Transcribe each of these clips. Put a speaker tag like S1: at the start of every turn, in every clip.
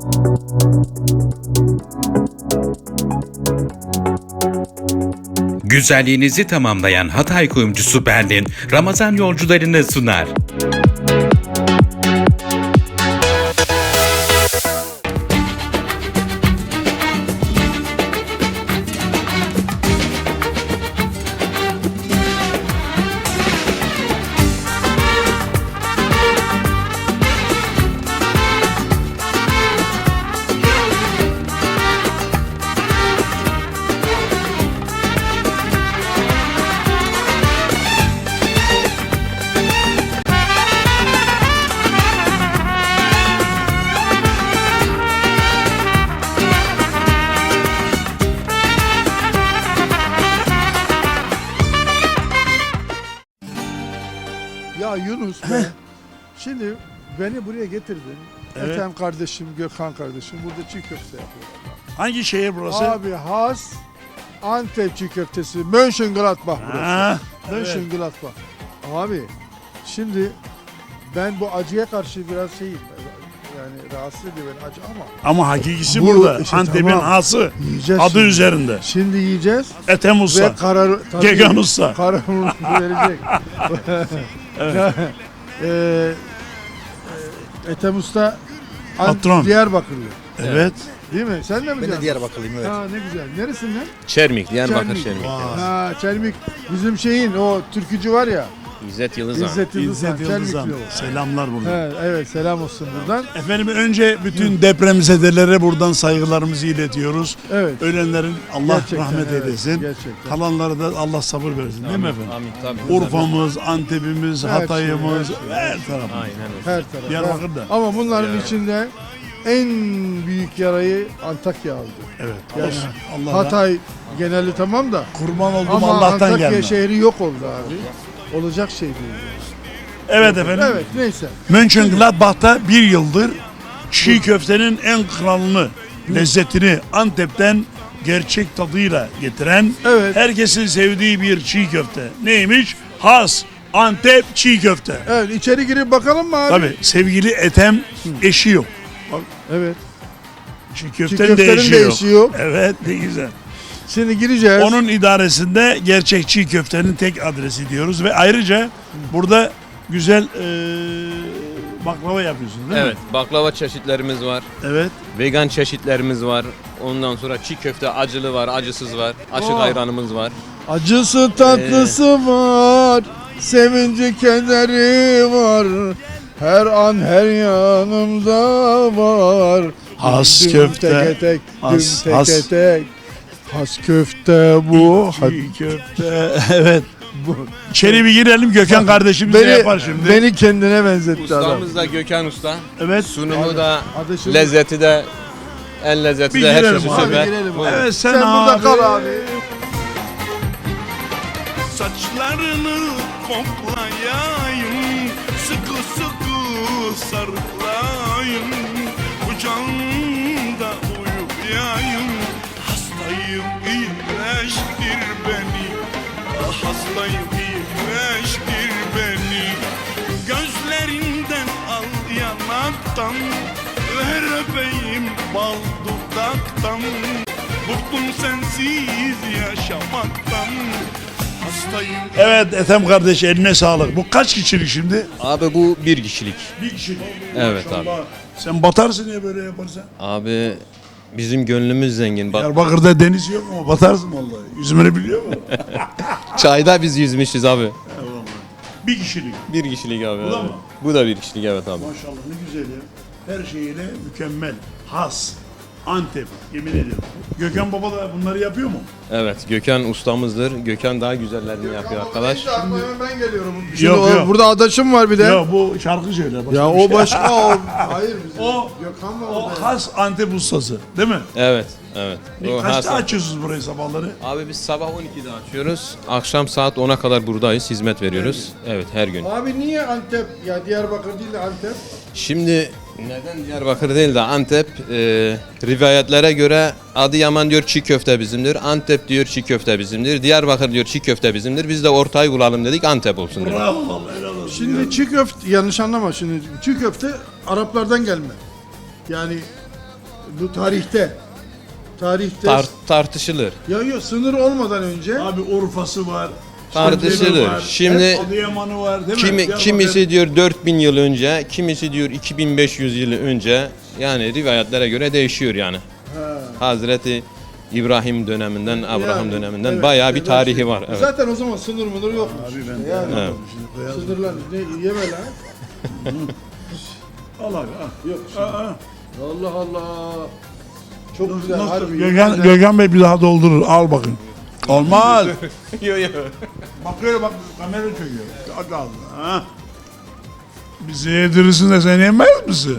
S1: Güzelliğinizi tamamlayan Hatay kuyumcusu Berlin, Ramazan yolcularını sunar.
S2: Ya Yunus be, şimdi beni buraya getirdin.
S3: Evet.
S2: Ethem kardeşim, Gökhan kardeşim burada çiğ köfte yapıyorlar.
S3: Hangi şehir burası?
S2: Abi has Antep çiğ köftesi, Mönchengladbach burası.
S3: Ha, evet.
S2: Mönchengladbach. Abi şimdi ben bu acıya karşı biraz şeyim. Yani rahatsız ediyor beni acı
S3: Ama hakikisi
S2: Bu
S3: burada.
S2: işte
S3: Antep'in
S2: tamam.
S3: hası.
S2: yiyeceğiz.
S3: Adı
S2: şimdi.
S3: üzerinde.
S2: Şimdi yiyeceğiz
S3: Ethem
S2: ve
S3: Usta.
S2: karar
S3: Gökhan Usta.
S2: kararını verecek.
S3: Evet.
S2: Ethem Usta
S3: Patron.
S2: Diyarbakırlı.
S3: Evet.
S2: Değil mi? Sen de mi
S4: Ben de Diyarbakırlıyım, evet.
S2: Ha ne güzel. Neresinden?
S5: Çermik, Diyarbakır Çermik.
S2: Ha Çelmik. Bizim şeyin o türkücü var ya.
S5: İzzet Yıldızhan.
S2: İzzet Yıldızhan.
S3: İzzet Yıldızhan.
S2: Çelmikli o.
S3: Selamlar buradan.
S2: He, evet selam olsun buradan.
S3: Efendim önce bütün depremzedelere buradan saygılarımızı iletiyoruz.
S2: Evet.
S3: Ölenlerin Allah
S2: Gerçekten,
S3: rahmet
S2: evet,
S3: eylesin.
S2: gerçekten.
S3: Kalanlara da Allah sabır versin değil mi efendim?
S5: Amin tabii.
S3: Urfa'mız, Antep'imiz,
S2: Her
S3: Hatay'ımız,
S2: şey,
S3: her tarafımız.
S5: Aynen öyle.
S2: Her taraf.
S3: Diyarbakır'da.
S2: Ama bunların içinde en büyük yarayı Antakya aldı.
S3: Evet.
S2: Yani
S3: Allah
S2: Hatay geneli tamam da
S3: kurban olduğum
S2: ama
S3: Allah'tan
S2: Antakya
S3: gelme.
S2: şehri yok oldu abi. Olacak şey değil.
S3: Evet efendim.
S2: Evet neyse.
S3: Mönchengladbach'ta bir yıldır çiğ köftenin en kralını, lezzetini Antep'ten gerçek tadıyla getiren,
S2: Evet.
S3: herkesin sevdiği bir çiğ köfte. Neymiş? Has Antep çiğ köfte.
S2: Evet içeri girip bakalım mı abi?
S3: Tabii sevgili Ethem eşi yok.
S2: Evet.
S3: Çiğ
S2: Çiğ
S3: köftenin de
S2: köftenin
S3: eşi
S2: de
S3: yok.
S2: eşi yok.
S3: Evet ne güzel.
S2: Şimdi gireceğiz.
S3: Onun idaresinde gerçek çiğ köftenin tek adresi diyoruz ve ayrıca burada güzel baklava yapıyorsun değil
S5: Evet,
S3: mi?
S5: baklava çeşitlerimiz var.
S3: Evet.
S5: Vegan çeşitlerimiz var. Ondan sonra çiğ köfte acılı var, acısız var. Açık
S2: Oh.
S5: ayranımız var.
S2: Acısı tatlısı var. Sevinci kederi var. Her an her yanımda var.
S3: Has
S2: Düm
S3: köfte.
S2: Teke tek,
S3: Has,
S2: düm
S3: has.
S2: teke tek. Has köfte bu.
S3: Çiğ köfte. Evet. İçeri bir girelim Gökhan kardeşimiz ne
S2: Beni,
S3: yapar şimdi?
S2: beni kendine benzetti adam.
S5: Ustamız da Gökhan Usta.
S3: Evet.
S5: Sunumu da,
S2: Hadi şimdi-
S5: lezzeti de, en lezzeti
S3: Bir
S5: de her
S3: girelim
S5: şeysi
S3: abi,
S5: süper.
S2: girelim abi.
S5: Buyurun.
S3: Evet sen,
S2: Sen burada
S3: abi.
S2: kal abi.
S6: Saçlarını koklayayım, sıkı sıkı sarılayım, kucağında uyuyayım. Hastayım iyileştir beni, hastayım iyileştir beni. Gözlerinden al yanaktan, ver öpeyim bal dudaktan. Bıktım sensiz yaşamaktan. Hastayım.
S3: Evet Ethem kardeş eline sağlık. Bu kaç kişilik şimdi?
S5: Abi bu bir kişilik.
S3: Bir kişilik.
S5: Evet
S3: Maşallah. Sen batarsın ya böyle yaparsan.
S5: Abi bizim gönlümüz zengin. Bak
S3: Diyarbakır'da deniz yok ama batarsın vallahi. Yüzümünü biliyor musun?
S5: çayda biz yüzmüşüz abi.
S3: Bir kişilik.
S5: Bir kişilik abi.
S3: Bu da
S5: evet.
S3: mı?
S5: Bu da bir kişilik evet abi.
S3: Maşallah ne güzel ya. Her şeyiyle mükemmel. Has. Antep. Yemin ediyorum. Gökhan Baba da bunları yapıyor mu?
S5: Evet Gökhan ustamızdır. Gökhan daha güzellerini yapıyor arkadaş.
S2: Şimdi aklıma ben geliyorum. Şimdi
S3: Yok, yok.
S2: Burada adaşım var bir de.
S3: Ya bu şarkı söyler. başka
S2: Ya
S3: bir
S2: o
S3: şey.
S2: başka o. Hayır bizim.
S3: O-
S2: Gökhan var
S3: O
S2: orada.
S3: has Antep ustası değil mi?
S5: Evet, evet. O
S3: Kaçta
S5: Hasan.
S3: açıyorsunuz burayı sabahları?
S5: Abi biz sabah 12'de açıyoruz. Akşam saat 10'a kadar buradayız. Hizmet veriyoruz. Evet, her gün.
S2: Abi niye Antep? Ya Diyarbakır değil de Antep.
S5: Şimdi neden Diyarbakır değil de Antep? Rivayetlere göre Adıyaman diyor çiğ köfte bizimdir. Antep diyor çiğ köfte bizimdir. Diyarbakır diyor çiğ köfte bizimdir. Biz de ortayı bulalım dedik Antep olsun dedik.
S3: Bravo vallahi helal olsun.
S2: Şimdi çiğ köfte yanlış anlama şimdi. Çiğ köfte Araplardan gelme. Yani Bu tarihte. Tarihte.
S5: Tartışılır.
S2: Yok sınır olmadan önce.
S3: Abi Urfa'sı var.
S5: Tartışılır.
S3: Şanlıurfa var,
S5: Şimdi
S3: Adıyaman'ı var değil mi?
S5: kimisi diyor 4000 yıl önce, kimisi diyor 2500 yıl önce. Yani rivayetlere göre değişiyor yani. Hazreti İbrahim döneminden, Abraham
S2: Yani,
S5: döneminden
S2: evet,
S5: bayağı bir
S2: evet.
S5: tarihi var. Evet.
S2: Zaten o zaman sınır mıdır yokmuş.
S3: Abi
S2: işte.
S3: ben
S2: Yani
S5: Evet.
S3: şimdi koyalım.
S2: sınırlar ne yeme lan.
S3: Al abi al.
S2: Yok.
S3: Aa,
S2: Allah Allah. Çok güzel.
S3: nasıl?
S2: Harbi.
S3: Gökhan Bey bir daha doldurur. Al bakın. Olmaz.
S5: Yok yok.
S3: Bakıyor bak kamera çekiyor. Hadi al. Ha. Bizi yedirirsin de sen yemez misin?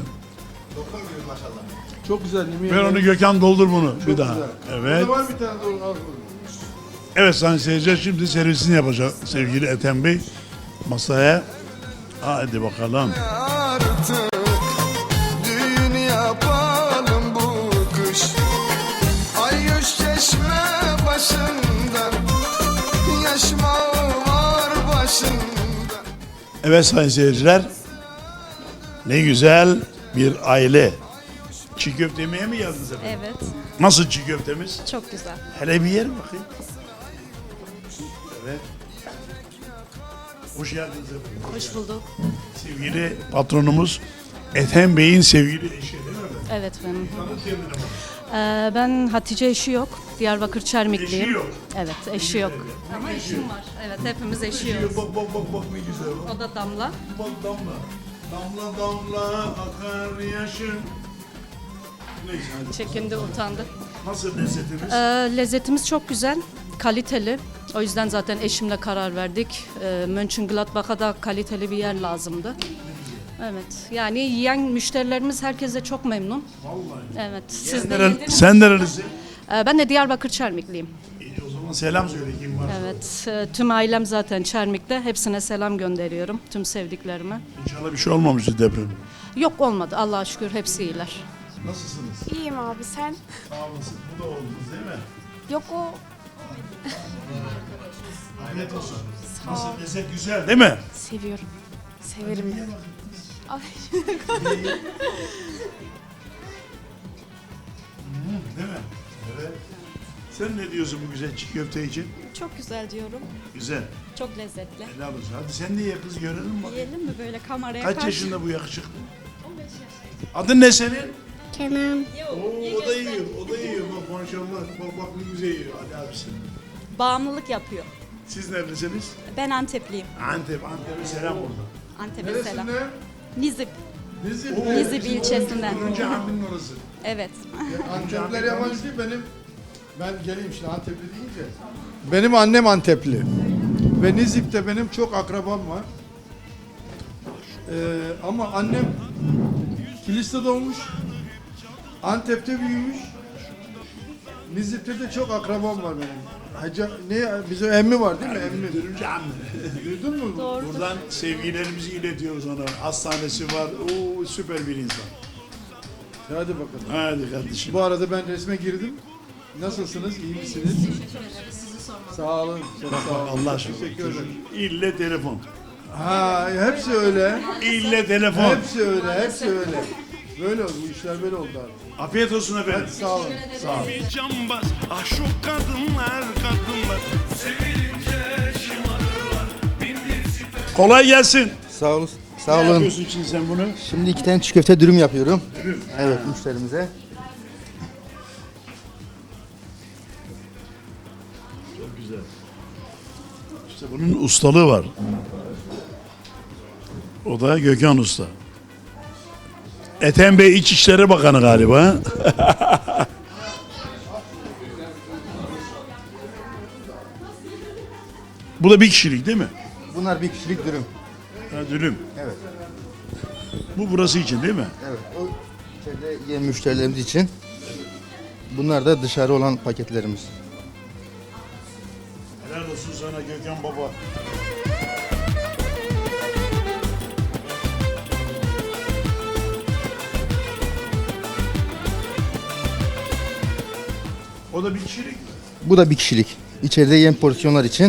S2: Çok güzel. Yemin
S3: Ver
S2: ederim.
S3: onu Gökhan doldur bunu
S2: Çok
S3: bir daha.
S2: güzel.
S3: Evet.
S2: Burada var bir tane doğru. Al.
S3: Evet sayın seyirciler şimdi servisini yapacak sevgili Ethem Bey masaya. Hadi bakalım.
S4: Artık düğün yapalım bu kış. Ayyüş çeşme başında, yaşmağı var başında.
S3: Evet sayın seyirciler. Ne güzel bir aile. Çiğ köfte yemeye mi geldiniz efendim?
S7: Evet,
S3: Nasıl çiğ köftemiz?
S7: çok güzel.
S3: Hele bir yer bakayım. Evet. Hoş geldiniz efendim.
S7: Hoş bulduk.
S3: Sevgili patronumuz Ethem Bey'in sevgili eşi değil mi efendim?
S7: Evet benim.
S3: Tanıt kendini bak.
S7: Ben Hatice eşi yok. Diyarbakır Çermikliyim.
S3: Eşi yok.
S7: Evet, eşi yok. Ama eşim var. Evet, hepimiz eşiyoruz.
S3: Bak ne güzel.
S7: O da Damla.
S3: Bak damla. Damla damla akar yaşın. Neyse hadi.
S7: Çekindi, utandı.
S3: Nasıl lezzetimiz?
S7: Lezzetimiz çok güzel, kaliteli. O yüzden zaten eşimle karar verdik. Mönchengladbach'a da kaliteli bir yer lazımdı. Evet, yani yiyen müşterilerimiz herkese çok memnun.
S3: Vallahi.
S7: Evet, siz de yediniz.
S3: Sen nerelisin?
S7: Ben de Diyarbakır Çermikliyim.
S3: O zaman selam söyle kim var.
S7: Evet, tüm ailem zaten Çermik'te. Hepsine selam gönderiyorum, tüm sevdiklerime.
S3: İnşallah bir şey olmamıştır deprem.
S7: Yok olmadı, Allah'a şükür hepsi iyiler.
S3: Nasılsınız?
S8: İyiyim abi sen?
S3: Sağ olasın. Bu da oldunuz değil mi?
S8: Yok o
S3: Afiyet olsun. Nasıl lezzet güzel değil mi?
S8: seviyorum. Severim. Abi,
S3: Değil mi? Evet. Sen ne diyorsun bu güzel çiğ köfte için?
S9: Çok güzel diyorum.
S3: Güzel.
S9: Çok lezzetli.
S3: Helal olsun. Hadi sen de ye kız görelim bak.
S9: Yiyelim mi böyle kameraya
S3: Kaç
S9: karşı?
S3: yaşında bu yakışıklı? 15 yaşında. Adın ne senin?
S8: Kenan.
S3: Oo, o da yiyor. O da yiyor. Bak maşallah. Bak ne güzel yiyor. Hadi abisi.
S9: Bağımlılık yapıyor.
S3: Siz neredesiniz?
S9: Ben Antepliyim.
S3: Antep'e selam orada.
S9: Antep'e selam.
S2: Neresinden?
S9: Nizip.
S2: Nizip.
S9: Nizip ilçesinden.
S3: Turuncu Hamdi'nin orası.
S9: Evet.
S2: Antepliler yabancı değil benim. Ben geleyim şimdi Antepli deyince. Benim annem Antepli. Ve Nizip'te benim çok akrabam var. Ama annem Kilis'te doğmuş. Antep'te büyümüş. Nizip'te de çok akrabam var benim. Hacı, bizim emmi var değil mi? Emmi.
S3: Turuncu Hamdi.
S2: Duydun mu?
S3: Buradan sevgilerimizi iletiyoruz ona. Hastanesi var. Oo, süper bir insan.
S2: Hadi bakalım.
S3: Hadi kardeşim.
S2: Bu arada ben resme girdim. Nasılsınız? İyi misiniz? Sağ olun. Çok sağ olun.
S3: Allah aşkına.
S2: Teşekkür ederim.
S3: İlle telefon.
S2: Ha, hepsi öyle.
S3: İlle telefon.
S2: Hepsi öyle. Hepsi öyle. Böyle oldu. Bu işler böyle oldu abi.
S3: Afiyet olsun efendim.
S2: Hadi sağ olun. Sağ olun.
S6: Bir cambaz, ah şu kadınlar.
S3: Kolay gelsin.
S10: Sağ olun. Sağ
S3: Ne
S10: olun.
S3: yapıyorsun için sen bunu?
S10: Şimdi 2 tane çiğ köfte dürüm yapıyorum. Evet müşterimize.
S3: Çok güzel. İşte bunun ustalığı var. O da Gökhan Usta. Ethem Bey İçişleri Bakanı galiba. Bu da bir kişilik değil mi?
S10: Bunlar bir kişilik dürüm.
S3: Ha, dürüm.
S10: Evet.
S3: Bu burası için değil mi?
S10: Evet. O içeride yiyen müşterilerimiz için. Bunlar da dışarı olan paketlerimiz.
S3: Helal olsun sana Gökhan Baba. O da bir kişilik mi?
S10: Bu da bir kişilik. İçeride yiyen porsiyonlar için.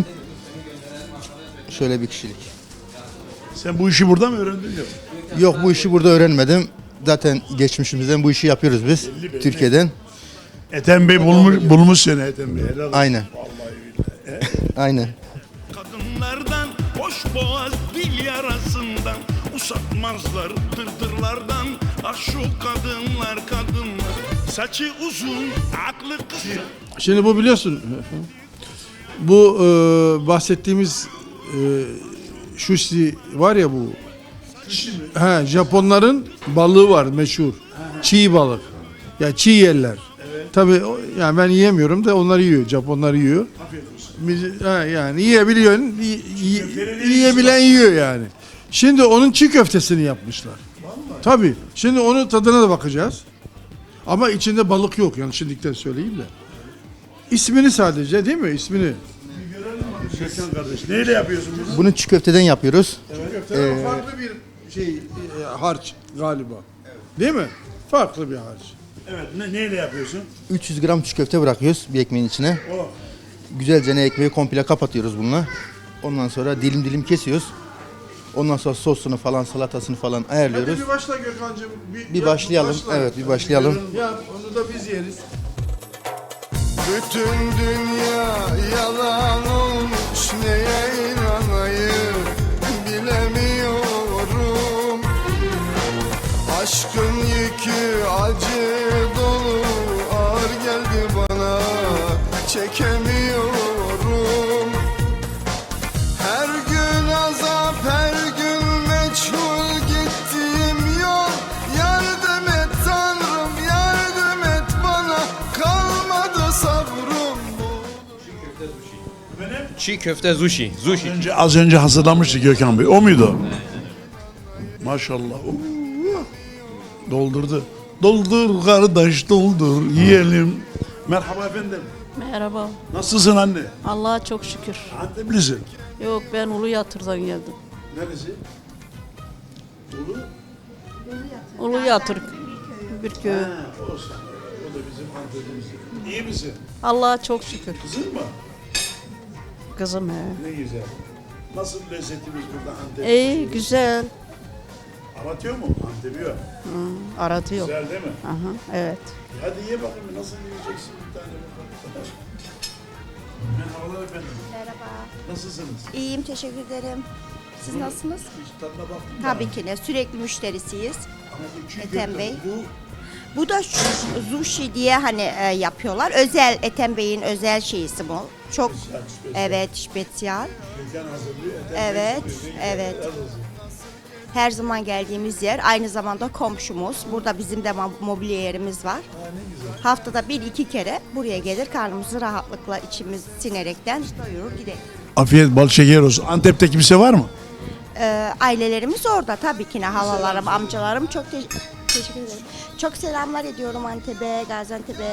S10: Şöyle bir kişilik.
S3: Sen bu işi burada mı öğrendin yok?
S10: Yok bu işi burada öğrenmedim. zaten geçmişimizden bu işi yapıyoruz biz. Türkiye'den.
S3: Ethem Bey bulmuş seni Ethem Bey. Helal olsun.
S10: Aynen. Aynen.
S6: Kadınlardan boş boğaz dil yarasından usatmazlar dırdırlardan. Ah şu kadınlar saçı uzun aklı kısa.
S2: Şimdi bu biliyorsun bu bahsettiğimiz sushi var ya bu. Japonların balığı var meşhur. Çiğ balık. Ya çiğ yerler. Tabii yani ben yiyemiyorum da onlar yiyor. Japonlar yiyor. Yani yiyebiliyorsun. Yiyebilen yiyor yani. Şimdi onun çiğ köftesini yapmışlar. Tabii. Şimdi onun tadına da bakacağız. Ama içinde balık yok. Yani şimdilikten söyleyeyim de. İsmini sadece değil mi? İsmini.
S3: Gökhan kardeş. Neyle yapıyorsun biz?
S10: Bunu çiğ köfteden yapıyoruz.
S2: Köfte farklı bir harç galiba. Değil mi? Farklı bir harç.
S3: Evet. Neyle yapıyorsun?
S10: 300 gram çiğ köfte bırakıyoruz bir ekmeğin içine.
S3: Oh.
S10: Güzelce ekmeği komple kapatıyoruz bununla. Ondan sonra dilim dilim kesiyoruz. Ondan sonra sosunu falan, salatasını falan ayarlıyoruz.
S2: Hadi bir başla Gökhan'cığım.
S10: Bir başlayalım. Evet, bir başlayalım.
S2: Ya onu da biz yeriz.
S4: Bütün dünya yalan olmuş, neye inanayım bilemiyorum. Aşkın yükü acı dolu, ağır geldi bana, çekemiyorum. Her gün azap, her gün meçhul gittiğim yol. Yardım et Tanrım, yardım et bana, kalmadı sabrım.
S5: Çiğ köfte sushi.
S3: Az önce hazırlamıştı Gökhan Bey. O muydu? Maşallah. Doldurdu. Doldur kardeş doldur yiyelim. Merhaba efendim.
S11: Merhaba.
S3: Nasılsın anne?
S11: Allah'a çok şükür.
S3: Anteplisin.
S11: Yok ben Uluyatır'dan geldim.
S3: Neresi?
S11: Uluyatır bir köy.
S3: Olsun. O da bizim Antep'imiz. İyi misin?
S11: Allah'a çok şükür.
S3: Kızın mı?
S11: Kızım he.
S3: Ne güzel. Nasıl lezzetimiz burada Antep?
S11: İyi güzel.
S3: Aratıyor mu? Antep'i yok.
S11: Aratıyor.
S3: Güzel değil mi?
S11: Aha, evet.
S3: Hadi ye bakayım nasıl yiyeceksin bir tane bakalım. Merhabalar efendim.
S8: Merhaba.
S3: Nasılsınız?
S8: İyiyim, teşekkür ederim. Siz nasılsınız?
S3: Hiç tadına baktın mı?
S8: Tabii ki de sürekli müşterisiyiz.
S3: Ama bu çiğ
S8: Ethem
S3: köfte,
S8: Bey.
S3: Bu
S8: Bu da sushi diye hani yapıyorlar. Özel, Ethem Bey'in özel şeysi bu. Çok evet, spesyal.
S3: Gökhan hazırlıyor. Ethem
S8: Evet,
S3: Bey sürekli
S8: evet.
S3: helal olsun.
S8: Her zaman geldiğimiz yer, aynı zamanda komşumuz. Burada bizim de mobilya yerimiz var. Haftada 1-2 kere buraya gelir, karnımızı rahatlıkla içimiz sinerekten doyurur gideriz.
S3: Afiyet bal şeker olsun. Antep'te kimse var mı?
S8: Ailelerimiz orada tabii ki ne halalarım, amcalarım çok teşekkür ederim. Çok selamlar ediyorum Antep'e, Gaziantep'e.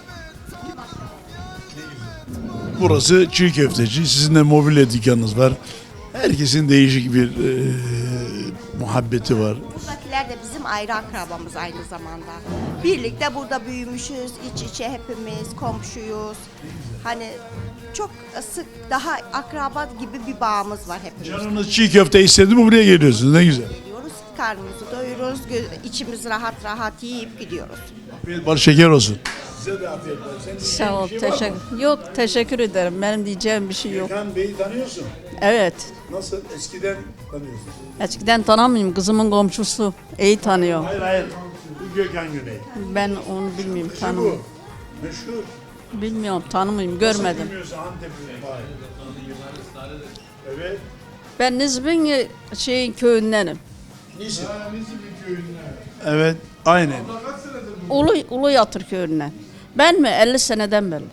S3: Burası çiğ köfteci. Sizin de mobilya dükkanınız var. Herkesin değişik bir muhabbeti var.
S8: Buradakiler de bizim ayrı akrabamız aynı zamanda. Birlikte burada büyümüşüz, iç içe hepimiz, komşuyuz. Hani çok sık, daha akraba gibi bir bağımız var hepimiz.
S3: Canınız çiğ köfte istedi mi buraya geliyorsunuz. Ne güzel.
S8: Geliyoruz, karnımızı doyururuz, içimiz rahat rahat yiyip gidiyoruz.
S3: Afiyet bal şeker olsun. Size de afiyet olsun.
S11: Sağ ol. Teşekkür. Yok teşekkür ederim. Benim diyeceğim bir şey yok.
S3: Gökhan Bey'i tanıyorsun.
S11: Evet.
S3: Nasıl? Eskiden tanıyorsun.
S11: Eskiden tanımıyorum. Kızımın komşusu. İyi tanıyor.
S3: Hayır. Bu Gökhan Güney.
S11: Ben onu bilmiyorum.
S3: Bu.
S11: Tanımıyorum.
S3: Meşhur.
S11: Bilmiyorum. Tanımıyorum. Görmedim.
S3: Bilmiyorsa Antep'in. Evet.
S11: Ben Nizip'in köyündenim.
S3: Evet. Aynen.
S11: Uluyatır köyünden. Ben mi? 50 seneden beri.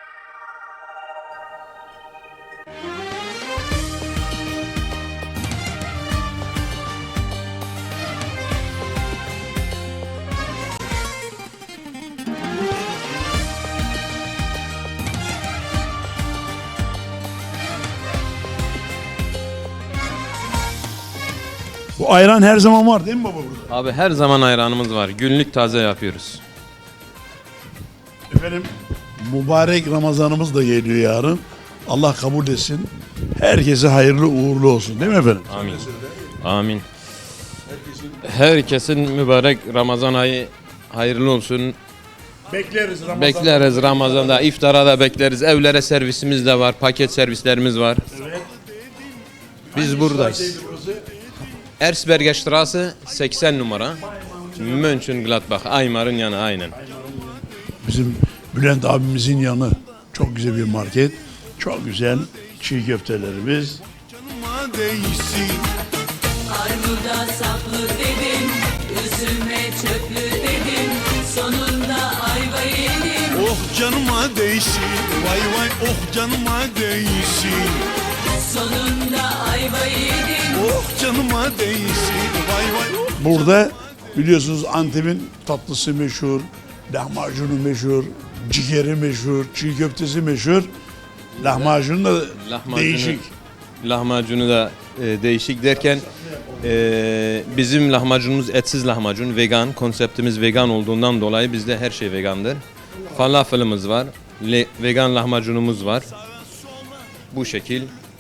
S3: Bu ayran her zaman var değil mi baba burada?
S5: Abi her zaman ayranımız var. Günlük taze yapıyoruz.
S3: Efendim mübarek Ramazanımız da geliyor yarın. Allah kabul etsin. Herkese hayırlı uğurlu olsun değil mi efendim?
S5: Amin. Amin.
S3: Herkesin
S5: Herkesin mübarek Ramazan ayı hayırlı olsun.
S3: Bekleriz Ramazan.
S5: Bekleriz Ramazan'da, iftara da bekleriz. Evlere servisimiz de var, paket servislerimiz var.
S3: Evet.
S5: Biz buradayız. Erzberger Straße 80 numara. Mönchengladbach, Aymar'ın yanı aynen.
S3: Bizim Bülent abimizin yanı. Çok güzel bir market. Çok güzel çiğ köftelerimiz.
S6: Canıma değsin.
S12: Armuda saplı dedim, üzüme çöplü dedim, sonunda ayva yedim.
S6: Oh canıma değsin. Vay vay oh canıma değsin.
S12: Sonunda ayva yedim.
S6: Oh canıma değsin. Vay vay oh.
S3: Burada biliyorsunuz Antep'in tatlısı meşhur, lahmacunu meşhur, ciğeri meşhur, çiğ köftesi meşhur. Lahmacun da değişik.
S5: Lahmacunu da değişik derken bizim lahmacunumuz etsiz lahmacun, vegan. Konseptimiz vegan olduğundan dolayı bizde her şey vegandır. Falafelimiz var, vegan lahmacunumuz var. Bu şekil.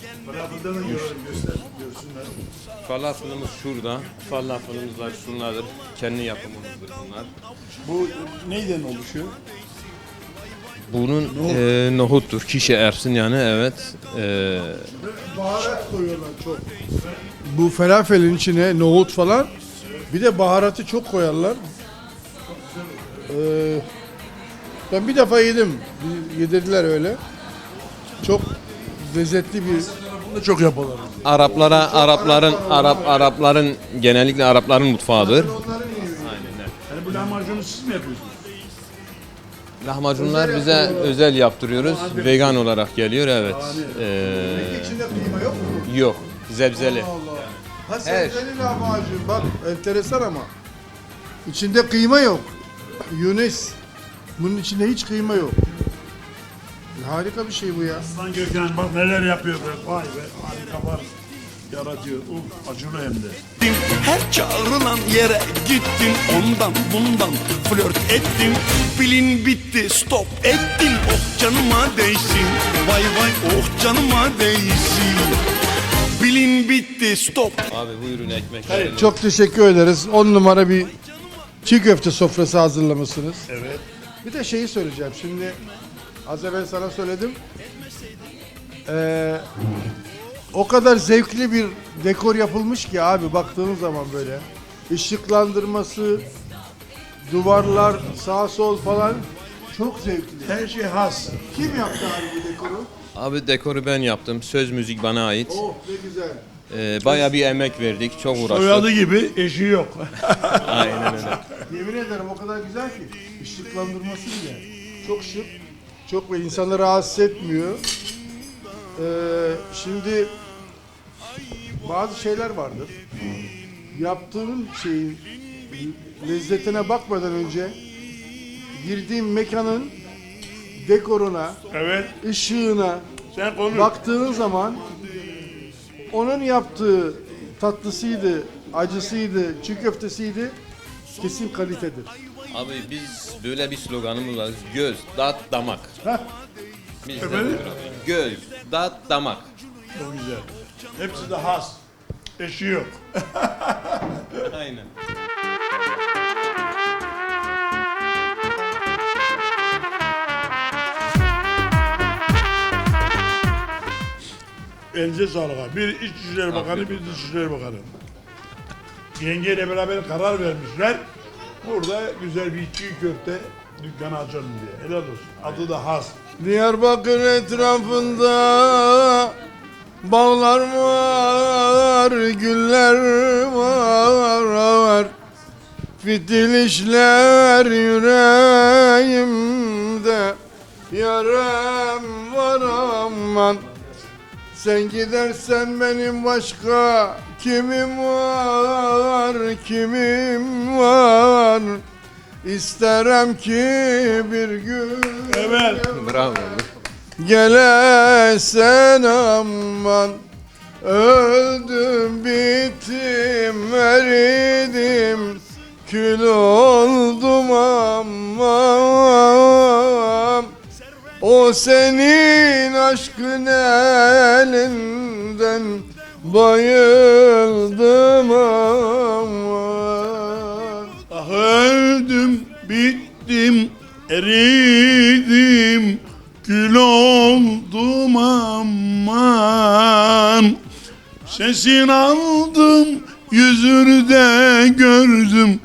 S5: Falafelimiz şurada. Falafelimizler şunlardır. Kendi yapımımızdır bunlar.
S3: Bu neyden oluşuyor?
S5: Bunun nohuttur. Kişi ersin yani evet.
S2: Baharat koyuyorlar çok. Bu falafelin içine nohut falan. Bir de baharatı çok koyarlar. Ben bir defa yedim. Yedirdiler öyle. Çok lezzetli bir.
S3: Bunu da çok yapıyorlar.
S5: Arapların genellikle Arapların mutfağıdır.
S3: Yani bu lahmacunu siz mi yapıyorsunuz?
S5: Lahmacunlar bize özel yaptırıyoruz. Vegan olarak geliyor evet.
S2: Peki içinde kıyma yok mu?
S5: Yok. Zebzeli.
S2: Ha sebzeli lahmacun bak enteresan ama. İçinde kıyma yok. Yunus. Bunun içinde hiç kıyma yok. Harika bir şey bu ya.
S3: Aslan Gökhan bak neler yapıyor be. Vay be harika var. Yaratıyor. Acılı hem de.
S6: Her çağrılan yere gittim. Ondan bundan flört ettim. Pilin bitti stop ettim. Oh canıma değsin. Vay vay oh canıma değsin. Pilin bitti stop.
S5: Abi buyurun ekmek.
S2: Çok teşekkür ederiz. 10 numara bir çiğ köfte sofrası hazırlamışsınız.
S3: Evet.
S2: Bir de şeyi söyleyeceğim. Şimdi az evvel sana söyledim. O kadar zevkli bir dekor yapılmış ki abi baktığınız zaman böyle. Işıklandırması, duvarlar, sağ sol falan çok zevkli.
S3: Her şey has.
S2: Kim yaptı abi bu dekoru?
S5: Abi dekoru ben yaptım. Söz müzik bana ait.
S2: Oh ne güzel.
S5: Bayağı bir emek verdik. Çok uğraştık.
S3: Soyadı gibi eşi yok.
S5: Aynen öyle.
S2: Yemin ederim o kadar güzel ki. Işıklandırması bile. Çok şık. Çok ve insanları rahatsız etmiyor. Şimdi bazı şeyler vardır. Yaptığın şeyin lezzetine bakmadan önce girdiğin mekanın dekoruna,
S3: Evet.
S2: ışığına
S3: Sen konuş.
S2: baktığın zaman onun yaptığı tatlısıydı, acısıydı, çiğ köftesiydi kesin kalitedir.
S5: Abi biz böyle bir sloganımız var. Göz, tat, damak.
S2: Heh.
S5: Biz de buyur abi. Göz, tat, damak.
S3: Çok güzel. Hepsi de has. Eşi yok.
S5: Aynen.
S3: Elinize sağlık abi. Bir İçişleri Bakanı, bir Dışişleri Bakanı. Yengeyle beraber karar vermişler. Burada güzel bir çiğ köfte dükkanı açalım diye. Helal olsun. Adı da has.
S2: Diyarbakır etrafında bağlar var, güller var. Fitil işler yüreğimde, yarem var aman. Sen gidersen benim başka kimim var? İsterim ki bir gün
S3: Evet.
S5: Bravo.
S2: gelesen aman. Öldüm bittim eridim, kül oldum aman. O senin aşkın elinden bayıldım aman.
S3: Eridim, kül oldum aman. Sesini aldım, yüzünü de gördüm.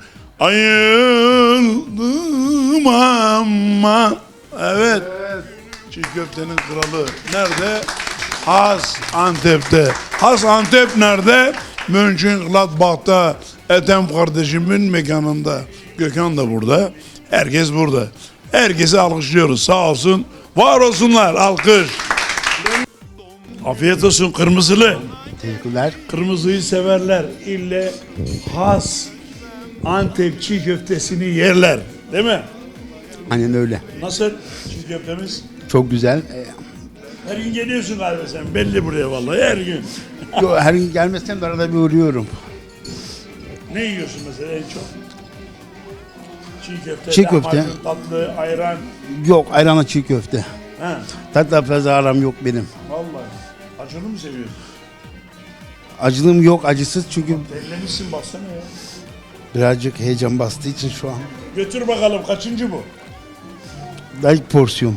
S3: Ayıldım ama. Evet. Çiğ köftenin kralı. Nerede? Has Antep'te. Has Antep nerede? Mönchengladbach'ta. Ethem kardeşimin mekanında. Gökhan da burada. Herkes burada. Herkese alkışlıyoruz. Sağ olsun. Var olsunlar. Alkış. Afiyet olsun kırmızılı.
S13: Teşekkürler.
S3: Kırmızıyı severler. İlle has Antep çiğ köftesini yerler. Değil mi?
S13: Aynen öyle.
S3: Nasıl çiğ köftemiz?
S13: Çok güzel.
S3: Her gün geliyorsun galiba sen. Belli buraya vallahi her gün.
S13: Yo, her gün gelmesem de arada bir uğruyorum.
S3: Ne yiyorsun mesela en çok? Çiğ köfte,
S13: Çiğ köfte.
S3: lahmacun, tatlı, ayran.
S13: Yok, ayranla çiğ köfte.
S3: He.
S13: Tatla fazla aram yok benim.
S3: Vallahi. Acılı mı seviyorsun?
S13: Acılığım yok, acısız çünkü
S3: Terlemişsin baksana ya.
S13: birazcık heyecan bastığı için şu an.
S3: Götür bakalım kaçıncı bu?
S13: Daha ilk porsiyon.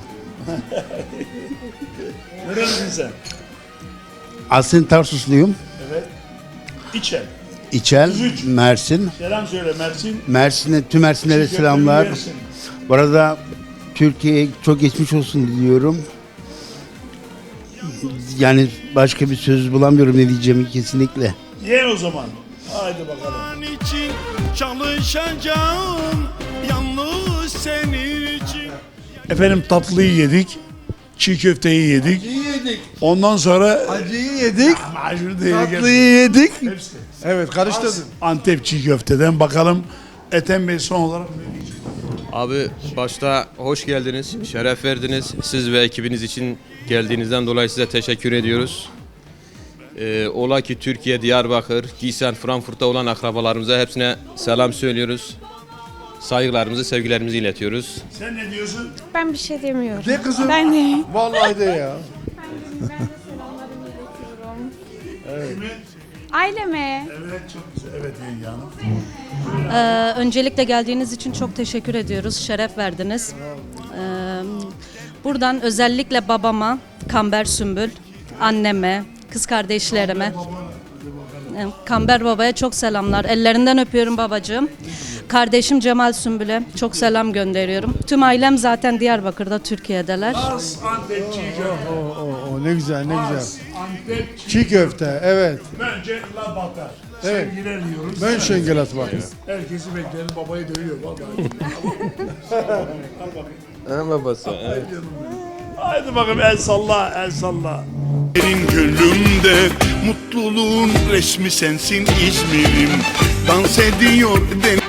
S3: Nerelisin sen?
S13: Aslen Tarsusluyum.
S3: Evet. İçer.
S13: İçel,
S3: 33.
S13: Mersin.
S3: Selam söyle Mersin.
S13: Mersin'e, tüm Mersinlere
S3: Çiğ
S13: selamlar.
S3: köfteni yersin.
S13: Bu arada Türkiye'ye çok geçmiş olsun diliyorum. Yani başka bir söz bulamıyorum ne diyeceğimi kesinlikle.
S3: Ye o zaman. Haydi bakalım.
S6: için çalışacağım yalnız senin için.
S3: Efendim tatlıyı yedik. Çiğ köfteyi yedik.
S2: yedik.
S3: Ondan sonra
S2: Acıyı yedik.
S3: macunu da yedik.
S2: Tatlıyı yedik.
S3: Hepsi.
S2: Evet karıştırdın.
S3: Antep çiğ köfteden bakalım. Ethem Bey son olarak ne diyecek?
S5: Abi başta hoş geldiniz, şeref verdiniz. Siz ve ekibiniz için geldiğinizden dolayı size teşekkür ediyoruz. Ola ki Türkiye, Diyarbakır, Giysen, Frankfurt'ta olan akrabalarımıza hepsine selam söylüyoruz. Saygılarımızı, sevgilerimizi iletiyoruz.
S3: Sen ne diyorsun?
S9: Ben bir şey demiyorum.
S2: De kızım.
S9: Ben de.
S2: Vallahi de ya.
S9: Aileme.
S3: Evet çok güzel. Evet yenge hanım.
S7: Öncelikle geldiğiniz için çok teşekkür ediyoruz. Şeref verdiniz. Buradan özellikle babama, Kamber Sümbül, anneme, kız kardeşlerime, Kamber babaya çok selamlar. Ellerinden öpüyorum babacığım. Kardeşim Cemal Sümbül'e çok selam gönderiyorum. Tüm ailem zaten Diyarbakır'da, Türkiye'deler.
S3: Has Antep çiğ köfte.
S2: O ne güzel ne güzel.
S3: Has Antep
S2: Çiğ köfte evet.
S3: Mönchengladbach'ta.
S2: Evet.
S3: Sevgiler diyoruz.
S2: Mönchengladbach.
S3: Herkesi bekleriz. Babayı dövüyor vallahi.
S5: Babası. Evet.
S3: Haydi bakalım el salla, el salla.
S6: Benim gönlümde mutluluğun resmi sensin İzmir'im. Dans ediyor